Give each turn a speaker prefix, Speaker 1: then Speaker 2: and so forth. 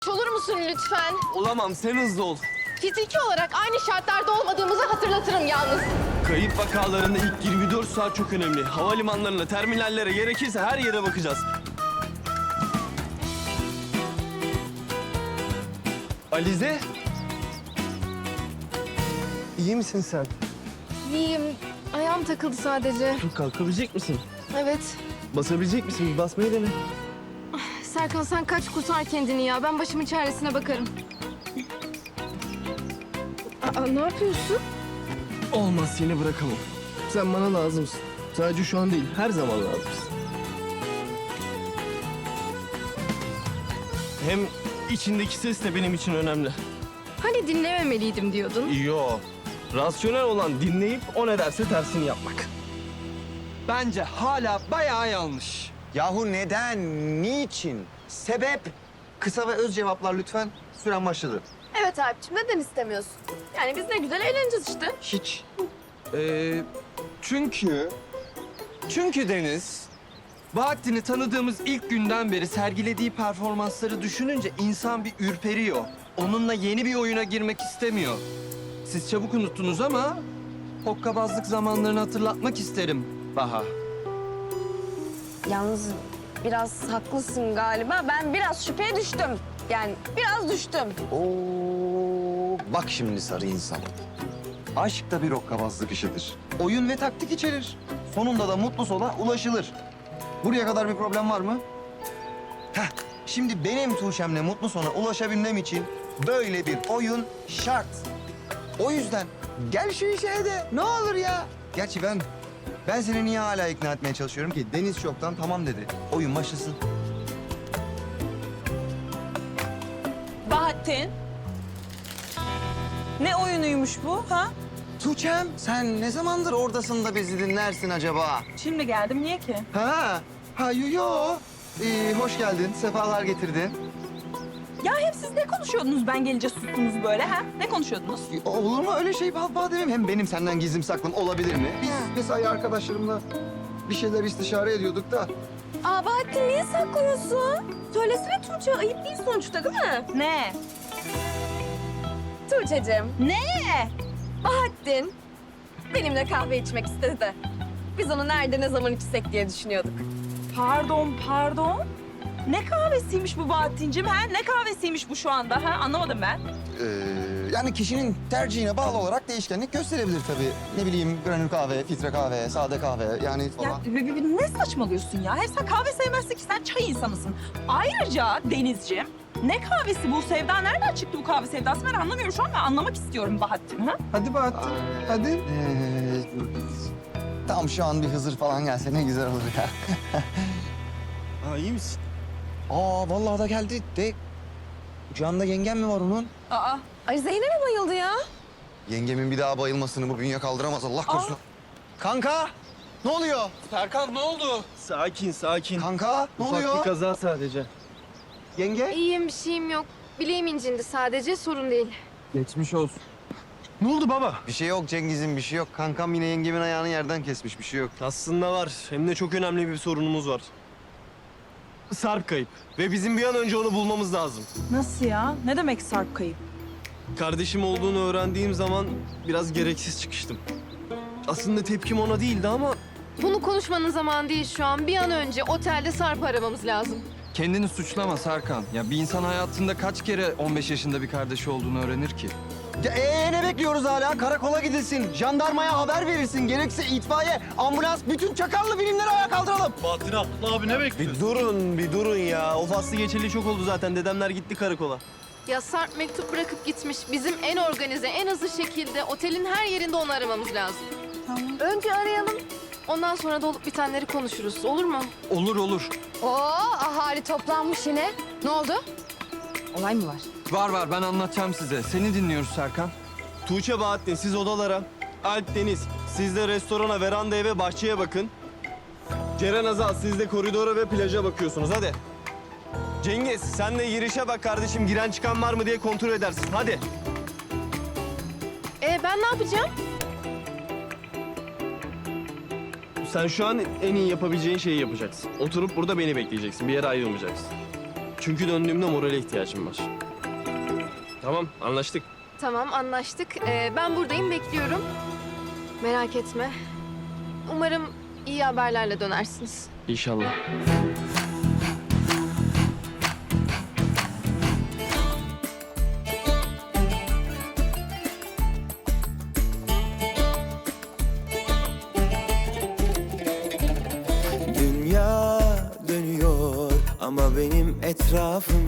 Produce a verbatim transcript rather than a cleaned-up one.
Speaker 1: Olur musun lütfen?
Speaker 2: Olamam, sen hızlı ol.
Speaker 1: Fiziki olarak aynı şartlarda olmadığımızı hatırlatırım yalnız.
Speaker 2: Kayıp vakalarında ilk yirmi dört saat çok önemli. Havalimanlarına, terminallere, gerekirse her yere bakacağız. Alize? İyi misin sen?
Speaker 1: İyiyim. Ayağım takıldı sadece.
Speaker 2: Dur, kalkabilecek misin?
Speaker 1: Evet.
Speaker 2: Basabilecek misin? Bir basmayı dene.
Speaker 1: Serkan sen kaç kurtar kendini ya. Ben başımın çaresine bakarım. Aa, ne yapıyorsun?
Speaker 2: Olmaz, seni bırakamam. Sen bana lazımsın. Sadece şu an değil, her zaman lazımsın. Hem içindeki ses de benim için önemli.
Speaker 1: Hani dinlememeliydim diyordun.
Speaker 2: Yo. Rasyonel olan dinleyip o ne derse tersini yapmak.
Speaker 3: Bence hala bayağı yanlış.
Speaker 4: Yahu neden? Niçin? Sebep? Kısa ve öz cevaplar lütfen. Süren başladı.
Speaker 1: Evet Alp'ciğim neden istemiyorsun? Yani biz ne güzel eğleneceğiz işte.
Speaker 4: Hiç.
Speaker 3: Ee, çünkü... Çünkü Deniz, Bahattin'i tanıdığımız ilk günden beri sergilediği performansları düşününce insan bir ürperiyor. Onunla yeni bir oyuna girmek istemiyor. Siz çabuk unuttunuz ama hokkabazlık zamanlarını hatırlatmak isterim Baha.
Speaker 5: Yalnız biraz haklısın galiba. Ben biraz şüpheye düştüm. Yani biraz düştüm.
Speaker 4: Oo, bak şimdi sarı insan. Aşk da bir hokkabazlık işidir. Oyun ve taktik içerir. Sonunda da mutlu sona ulaşılır. Buraya kadar bir problem var mı? Heh, şimdi benim Tuğçe'mle mutlu sona ulaşabilmem için böyle bir oyun şart. O yüzden gel şu işe de ne olur ya. Gerçi ben ben seni niye hala ikna etmeye çalışıyorum ki? Deniz çoktan tamam dedi. Oyun başlasın.
Speaker 6: Bahattin. Ne oyunuymuş bu ha?
Speaker 4: Tuğçe'm sen ne zamandır oradasın da bizi dinlersin acaba?
Speaker 6: Şimdi geldim niye ki?
Speaker 4: Ha, ha yo yo. Ee, hoş geldin, sefalar getirdin.
Speaker 6: Ya hep siz ne konuşuyordunuz ben gelince sustunuz böyle ha? Ne konuşuyordunuz?
Speaker 4: Ee, Olur mu öyle şey bal bal demem. Hem benim senden gizlim saklım olabilir mi? Biz mesai arkadaşlarımla bir şeyler istişare ediyorduk da.
Speaker 5: Aa Bahattin niye saklıyorsun? Söylesene Tuğçe. Ayıp değil sonuçta değil mi?
Speaker 6: Ne?
Speaker 5: Tuğçe'cim.
Speaker 6: Ne?
Speaker 5: Bahattin benimle kahve içmek istedi de. Biz onu nerede ne zaman içsek diye düşünüyorduk.
Speaker 6: Pardon pardon. Ne kahvesiymiş bu Bahattin'cim ha? Ne kahvesiymiş bu şu anda ha? Anlamadım ben.
Speaker 4: Ee, yani kişinin tercihine bağlı olarak değişkenlik gösterebilir tabii. Ne bileyim granül kahve, filtre kahve, sade kahve yani falan.
Speaker 6: Ya b- b- ne saçmalıyorsun ya? Hep sen kahve sevmezsin ki sen çay insanısın. Ayrıca Denizciğim ne kahvesi bu? Sevda nereden çıktı bu kahve sevdası? Ben anlamıyorum şu an. Ben anlamak istiyorum Bahattin ha?
Speaker 3: Hadi Bahattin, hadi.
Speaker 4: Ee, tam şu an bir Hızır falan gelse ne güzel olur ya.
Speaker 2: Ha, iyi misin?
Speaker 4: Aa vallahi da geldi de. Kucağında yengem mi var onun?
Speaker 6: Aa.
Speaker 5: Ay Zeynep'e bayıldı ya.
Speaker 4: Yengemin bir daha bayılmasını bu bünye kaldıramaz Allah korusun. Kanka ne oluyor?
Speaker 3: Serkan ne oldu?
Speaker 2: Sakin, sakin.
Speaker 4: Kanka ne
Speaker 2: Ufak
Speaker 4: oluyor?
Speaker 2: bir kaza sadece.
Speaker 4: Yenge?
Speaker 1: İyiyim bir şeyim yok. Bileğim incindi sadece sorun değil.
Speaker 3: Geçmiş olsun.
Speaker 2: Ne oldu baba?
Speaker 4: Bir şey yok Cengiz'in bir şey yok. Kankam yine yengemin ayağını yerden kesmiş bir şey yok.
Speaker 2: Aslında var. Hem de çok önemli bir sorunumuz var. Sarp kayıp. Ve bizim bir an önce onu bulmamız lazım.
Speaker 6: Nasıl ya? Ne demek Sarp kayıp?
Speaker 2: Kardeşim olduğunu öğrendiğim zaman biraz gereksiz çıkıştım. Aslında tepkim ona değildi ama
Speaker 1: Bunu konuşmanın zamanı değil şu an. Bir an önce otelde Sarp'ı aramamız lazım.
Speaker 3: Kendini suçlama Serkan. Ya bir insan hayatında kaç kere on beş yaşında bir kardeşi olduğunu öğrenir ki?
Speaker 4: Ya ee, ne bekliyoruz hala? Karakola gidilsin, jandarmaya haber verilsin. Gerekse itfaiye, ambulans, bütün çakallı birimleri ayağa kaldıralım.
Speaker 7: Bahattin Abdullah abi ne bekliyorsun?
Speaker 2: bir durun, bir durun ya. O faslı geçeli çok oldu zaten. Dedemler gitti karakola.
Speaker 1: Ya Sarp mektup bırakıp gitmiş. Bizim en organize, en hızlı şekilde otelin her yerinde onu aramamız lazım.
Speaker 6: Tamam.
Speaker 1: Önce arayalım. Ondan sonra da olup bitenleri konuşuruz. Olur mu?
Speaker 3: Olur olur.
Speaker 5: Oo ahali toplanmış yine. Ne oldu? Olay mı var?
Speaker 3: Var var ben anlatacağım size. Seni dinliyoruz Serkan.
Speaker 2: Tuğçe, Bahattin siz odalara. Alp, Deniz siz de restorana, verandaya ve bahçeye bakın. Ceren, Azal siz de koridora ve plaja bakıyorsunuz. Hadi. Cengiz sen de girişe bak kardeşim. Giren çıkan var mı diye kontrol edersin. Hadi.
Speaker 1: Ee, ben ne yapacağım?
Speaker 2: Sen şu an en iyi yapabileceğin şeyi yapacaksın. Oturup burada beni bekleyeceksin. Bir yere ayrılmayacaksın. Çünkü döndüğümde morale ihtiyacım var. Tamam, anlaştık.
Speaker 1: Tamam, anlaştık. Ee, ben buradayım, bekliyorum. Merak etme. Umarım iyi haberlerle dönersiniz.
Speaker 2: İnşallah.
Speaker 7: Dünya dönüyor ama benim etrafım